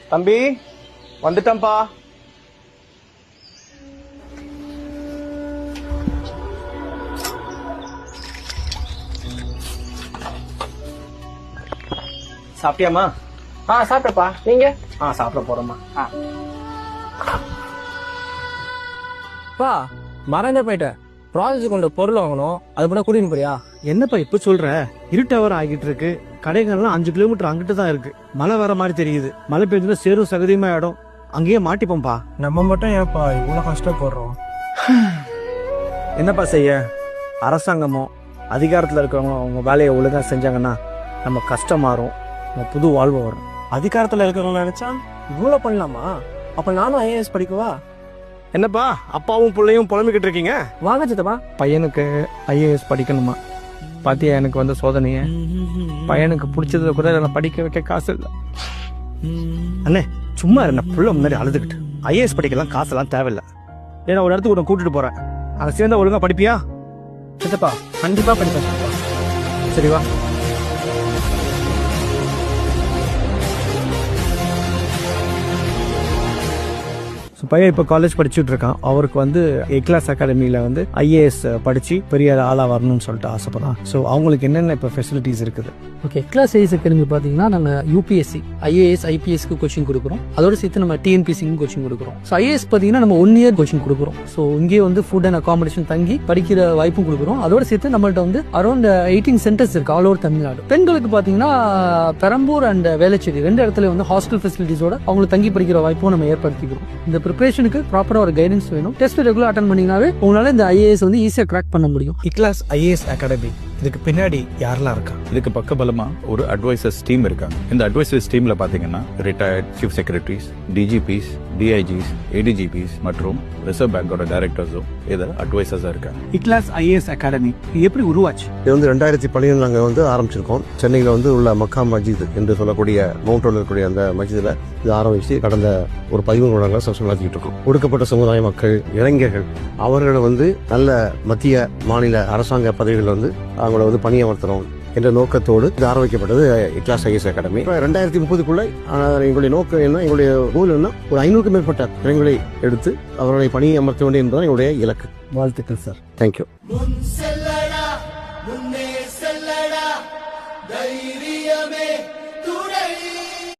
தம்பி வந்துட்டம்பா. சாப்பிட்டியாமா? சாப்பிட்டப்பா. நீங்க? சாப்பிட போறோம்மா. பா மறந்தே போயிட்டேன். ப்ராஜெக்ட் கொண்ட பொருள் வாங்கணும், அது கூட கூட்டின்னு போறியா? என்னப்பா இப்ப சொல்ற? இருட்டவர் ஆகிட்டு இருக்கு. கடைகள்லாம் 5 கிலோமீட்டர் அங்கிட்டு தான் இருக்கு. மழை வர மாதிரி தெரியுது. மழை பெய்ஞ்சதுல சேரும் சகதியுமா இடம். அங்கேயே மாட்டிப்போம்பா. நம்ம மட்டும் ஏப்பா இவ்வளவு கஷ்டப்படுறோம்? என்னப்பா செய்ய? அரசாங்கமோ அதிகாரத்துல இருக்கிறவங்க அவங்க வேலையை ஒழுங்கா செஞ்சாங்கன்னா நம்ம கஷ்டம் மாறும், நம்ம புது வாழ்வு வரும். அதிகாரத்துல இருக்கிறவங்க நினைச்சா இவ்வளவு பண்ணலாமா? அப்ப நானும் ஐஏஎஸ் படிக்கவா? என்னப்பா அப்பாவும் பிள்ளையும் புலம்பிக்கிட்டு இருக்கீங்க? வாங்க சித்தப்பா. பையனுக்கு ஐஏஎஸ் படிக்கணுமா? பாத்தியா எனக்கு வந்த சோதனைய. பையனுக்கு பிடிச்சதுல கூட நான் படிக்க வைக்க காசு இல்லை. அண்ணே சும்மா என்ன புள்ள முன்னாடி அழுதுகிட்டு. ஐஏஎஸ் படிக்கலாம் காசெல்லாம் தேவையில்லை. ஏன்னா ஒரு இடத்துக்கு உன்னை கூட்டிட்டு போறேன், அங்க சேர்ந்தா ஒழுங்கா படிப்பியா? சித்தப்பா கண்டிப்பா படிப்பேன் சித்தப்பா. சரி வா. பையன் இப்போ காலேஜ் படிச்சுட்டு இருக்கான். அவருக்கு வந்து எக்லாஸ் அகாடமியில் வந்து ஐஏஎஸ் படிச்சு பெரிய ஆளா வரணும்னு சொல்லிட்டு ஆசைப்படுறான். ஸோ அவங்களுக்கு என்னென்ன இப்போ ஃபெசிலிட்டிஸ் இருக்குது? ஓகே, எக்லாஸ் ஐஏஎஸ் அகாடமி பார்த்தீங்கன்னா நாங்கள் யூபிஎஸ்சி, ஐஏஎஸ், ஐபிஎஸ்க்கு கோச்சிங் கொடுக்குறோம். அதோட சேர்த்து நம்ம டிஎன்பிசிக்கும் கோச்சிங் கொடுக்குறோம். ஸோ ஐஏஎஸ் பார்த்தீங்கன்னா நம்ம 1 இயர் கோச்சிங் கொடுக்குறோம். ஸோ இங்கே வந்து ஃபுட் அண்ட் அகாமடேஷன் தங்கி படிக்கிற வாய்ப்பும் கொடுக்குறோம். அதோட சேர்த்து நம்மள்ட்ட வந்து அரௌண்ட் 18 சென்டர்ஸ் இருக்கு ஆல் ஓவர் தமிழ்நாடு. பெண்களுக்கு பார்த்தீங்கன்னா பெரம்பூர் அண்ட் வேளச்சேரி 2 இடத்துல வந்து ஹாஸ்டல் ஃபெசிலிட்டிஸோட அவங்களுக்கு தங்கி படிக்கிற வாய்ப்பும் நம்ம ஏற்படுத்திக்கிறோம். இந்த ப்ரிப்பரேஷனுக்கு ப்ராப்பரா ஒரு கைடன்ஸ் வேணும். டெஸ்ட் ரெகுலர் அட்டன் பண்ணீங்கன்னாவே உங்களால இந்த ஐஏஎஸ் வந்து ஈஸியா கிராக் பண்ண முடியும். எக்லாஸ் ஐஏஎஸ் அகாடமி இதுக்கு பின்னாடி யாரெல்லாம் இருக்கா? இதுக்கு பக்கபலமா ஒரு அட்வைசர்ஸ் டீம் இருக்காங்க. இந்த அட்வைசர்ஸ் டீம்ல பாத்தீங்கன்னா retired chief secretaries, DGPs, DIGs, ADGPs மற்றும் ரிசர்வ் பேங்கோட டைரக்டர்ஸும் இதில் அட்வைசர்ஸா இருக்காங்க. எக்லாஸ் ஐஏஎஸ் அகாடமி எப்படி உருவாச்சு? இது வந்து 2012 நாங்கள் வந்து ஆரம்பிச்சிருக்கோம். சென்னையில் வந்து உள்ள மக்கா மஸ்ஜித் என்று சொல்லக்கூடிய மவுண்ட் ரோட்ல இருக்கக்கூடிய அந்த மஸ்ஜிதில் இது ஆரம்பிச்சு கடந்த ஒரு 13 வருடங்களா சப்ஸ்கிரைப் நடத்திட்டு இருக்கோம். ஒடுக்கப்பட்ட சமுதாய மக்கள், இளைஞர்கள் அவர்களை வந்து நல்ல மத்திய மாநில அரசாங்க பதவிகள் வந்து அவங்கள வந்து பணியமர்த்தணும் என்ற நோக்கத்தோடு இது ஆரம்பிக்கப்பட்டது எக்லாஸ் ஐஏஎஸ் அகாடமி. 2030க்குள்ள எங்களுடைய நோக்கம் என்ன, எங்களுடைய கோல் என்ன, ஒரு 500க்கும் மேற்பட்ட இளைஞர்களை எடுத்து அவர்களை பணியமர்த்த வேண்டும் என்பதுதான் எங்களுடைய இலக்கு. வாழ்த்துக்கள் சார். தேங்க்யூ.